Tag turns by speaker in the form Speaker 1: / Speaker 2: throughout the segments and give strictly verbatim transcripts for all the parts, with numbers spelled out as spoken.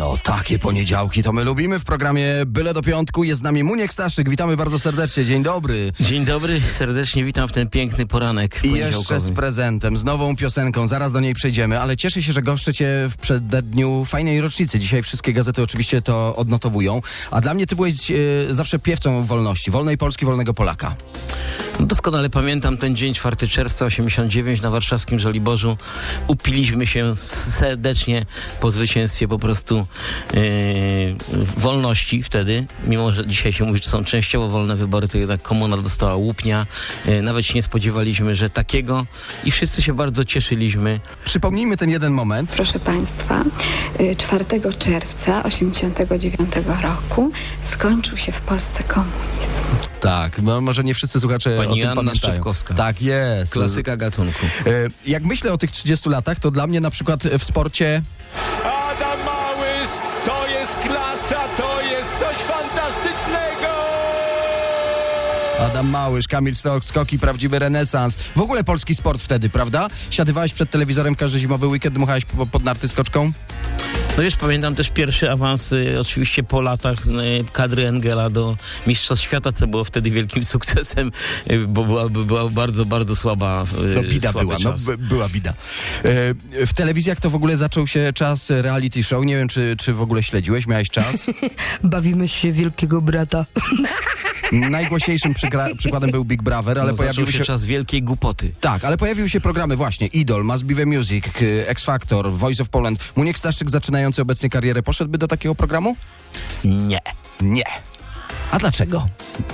Speaker 1: No, takie poniedziałki to my lubimy w programie Byle do Piątku. Jest z nami Muniek Staszyk. Witamy bardzo serdecznie. Dzień dobry.
Speaker 2: Dzień dobry, serdecznie witam w ten piękny poranek
Speaker 1: I jeszcze z prezentem, z nową piosenką. Zaraz do niej przejdziemy, ale cieszę się, że goszczę cię w przededniu fajnej rocznicy. Dzisiaj wszystkie gazety oczywiście to odnotowują. A dla mnie ty byłeś e, zawsze piewcą wolności. Wolnej Polski, wolnego Polaka.
Speaker 2: Doskonale pamiętam ten dzień, czwartego czerwca osiemdziesiątego dziewiątego na warszawskim Żoliborzu. Upiliśmy się serdecznie po zwycięstwie po prostu yy, wolności wtedy. Mimo, że dzisiaj się mówi, że są częściowo wolne wybory, to jednak komuna dostała łupnia. Yy, nawet się nie spodziewaliśmy, że takiego i wszyscy się bardzo cieszyliśmy.
Speaker 1: Przypomnijmy ten jeden moment.
Speaker 3: Proszę Państwa, czwartego czerwca osiemdziesiątego dziewiątego roku skończył się w Polsce komunizm.
Speaker 1: Tak, no może nie wszyscy słuchacze
Speaker 2: Pani
Speaker 1: o tym
Speaker 2: Joanna
Speaker 1: pamiętają.
Speaker 2: Szczepkowska.
Speaker 1: Tak jest.
Speaker 2: Klasyka gatunku.
Speaker 1: E, jak myślę o tych trzydziestu latach, to dla mnie na przykład w sporcie...
Speaker 4: Adam Małysz, to jest klasa, to jest coś fantastycznego!
Speaker 1: Adam Małysz, Kamil Stoch, skoki, prawdziwy renesans. W ogóle polski sport wtedy, prawda? Siadywałeś przed telewizorem każdy zimowy weekend, dmuchałeś po, pod narty skoczką?
Speaker 2: No wiesz, pamiętam też pierwszy awans y, oczywiście po latach y, kadry Engela do Mistrzostw Świata, co było wtedy wielkim sukcesem, y, bo była, była bardzo, bardzo słaba y,
Speaker 1: No bida
Speaker 2: słaby
Speaker 1: była,
Speaker 2: czas.
Speaker 1: no by, była bida. E, w telewizjach to w ogóle zaczął się czas reality show. Nie wiem, czy, czy w ogóle śledziłeś, miałeś czas?
Speaker 5: Bawimy się Wielkiego Brata.
Speaker 1: Najgłośniejszym przykra- przykładem był Big Brother, ale
Speaker 2: no,
Speaker 1: pojawiły
Speaker 2: się,
Speaker 1: się...
Speaker 2: czas wielkiej głupoty.
Speaker 1: Tak, ale pojawiły się programy właśnie Idol, Must Be The Music, X Factor, Voice of Poland. Muniek Staszyk, zaczynający obecnie karierę, poszedłby do takiego programu?
Speaker 2: Nie.
Speaker 1: Nie. A dlaczego?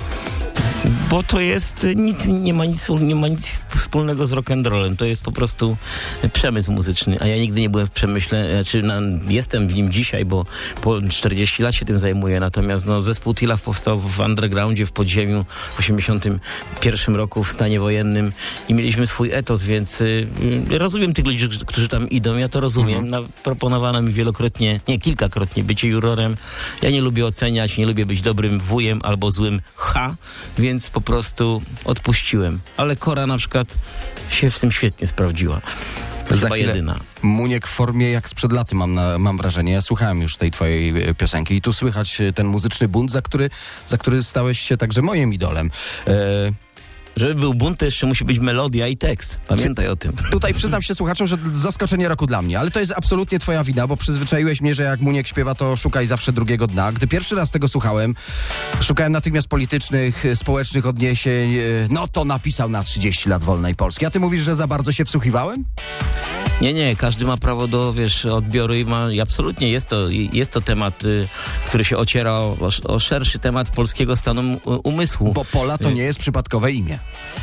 Speaker 2: Bo to jest, nic, nie, ma nic, nie ma nic wspólnego z rock'n'rollem. To jest po prostu przemysł muzyczny. A ja nigdy nie byłem w przemyśle, znaczy na, jestem w nim dzisiaj, bo po czterdzieści lat się tym zajmuję. Natomiast no, zespół Tilaf powstał w undergroundzie, w podziemiu w osiemdziesiątym pierwszym roku w stanie wojennym i mieliśmy swój etos, więc y, rozumiem tych ludzi, którzy tam idą. Ja to rozumiem. Mhm. Na, proponowano mi wielokrotnie, nie, kilkakrotnie bycie jurorem. Ja nie lubię oceniać, nie lubię być dobrym wujem albo złym ha, więc po prostu odpuściłem. Ale Kora na przykład się w tym świetnie sprawdziła. To
Speaker 1: Za
Speaker 2: chyba
Speaker 1: chwilę
Speaker 2: jedyna.
Speaker 1: Muniek w formie jak sprzed laty, mam, na, mam wrażenie. Ja słuchałem już tej twojej e, piosenki i tu słychać ten muzyczny bunt, za który, za który stałeś się także moim idolem. E,
Speaker 2: Żeby był bunt, to jeszcze musi być melodia i tekst. Pamiętaj o tym.
Speaker 1: Tutaj przyznam się słuchaczom, że zaskoczenie roku dla mnie, ale to jest absolutnie twoja wina, bo przyzwyczaiłeś mnie, że jak Muniek śpiewa, to szukaj zawsze drugiego dna. Gdy pierwszy raz tego słuchałem, szukałem natychmiast politycznych, społecznych odniesień, no to napisał na trzydzieści lat wolnej Polski. A ty mówisz, że za bardzo się wsłuchiwałem?
Speaker 2: Nie, nie, każdy ma prawo do, wiesz, odbioru i ma, i absolutnie jest to, jest to temat, y, który się ociera o, o szerszy temat polskiego stanu umysłu.
Speaker 1: Bo Pola to nie jest przypadkowe imię.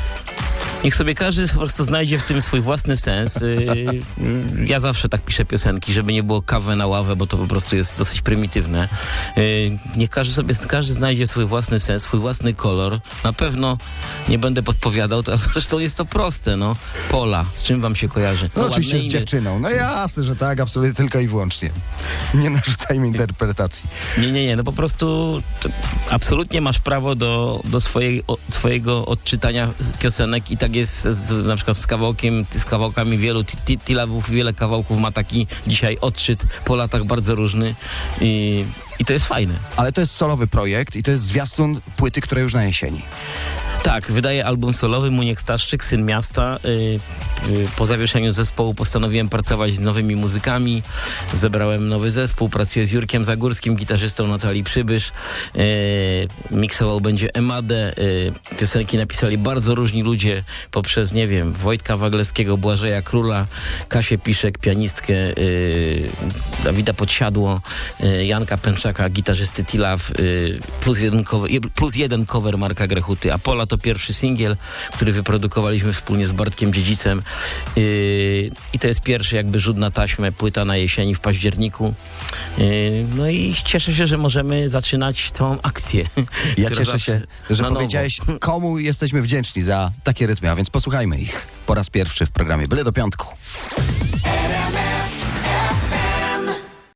Speaker 2: Niech sobie każdy po prostu znajdzie w tym swój własny sens. Yy, ja zawsze tak piszę piosenki, żeby nie było kawę na ławę, bo to po prostu jest dosyć prymitywne. Yy, niech każdy sobie każdy znajdzie swój własny sens, swój własny kolor. Na pewno nie będę podpowiadał, to, zresztą jest to proste, no. Pola, z czym wam się kojarzy?
Speaker 1: No,
Speaker 2: No,
Speaker 1: oczywiście
Speaker 2: ładne
Speaker 1: z
Speaker 2: imię.
Speaker 1: dziewczyną. No jasne, że tak, absolutnie tylko i wyłącznie. Nie narzucajmy interpretacji.
Speaker 2: Nie, nie, nie, no po prostu to, absolutnie masz prawo do, do swojej, o, swojego odczytania piosenek i tak jest z, na przykład z kawałkiem, z kawałkami wielu Tilawów, wiele kawałków ma taki dzisiaj odczyt po latach bardzo różny i, i to jest fajne.
Speaker 1: Ale to jest solowy projekt i to jest zwiastun płyty, która już na jesieni.
Speaker 2: Tak, wydaje album solowy Muniek Staszyk, Syn Miasta. Yy, yy, po zawieszeniu zespołu postanowiłem pracować z nowymi muzykami. Zebrałem nowy zespół, pracuję z Jurkiem Zagórskim, gitarzystą Natalii Przybysz. Yy, miksował będzie Emadę. Yy, piosenki napisali bardzo różni ludzie poprzez, nie wiem, Wojtka Waglewskiego, Błażeja Króla, Kasię Piszek, pianistkę, yy, Dawida Podsiadło, yy, Janka Pęczaka, gitarzysty Tilaf, yy, plus, jeden cover, plus jeden cover Marka Grechuty. Apola to pierwszy singiel, który wyprodukowaliśmy wspólnie z Bartkiem Dziedzicem yy, i to jest pierwszy jakby rzut na taśmę, płyta na jesieni w październiku. Yy, no i cieszę się, że możemy zaczynać tą akcję.
Speaker 1: Ja cieszę się, że
Speaker 2: na
Speaker 1: powiedziałeś,
Speaker 2: nowo.
Speaker 1: komu jesteśmy wdzięczni za takie rytmy, a więc posłuchajmy ich po raz pierwszy w programie Byle do Piątku.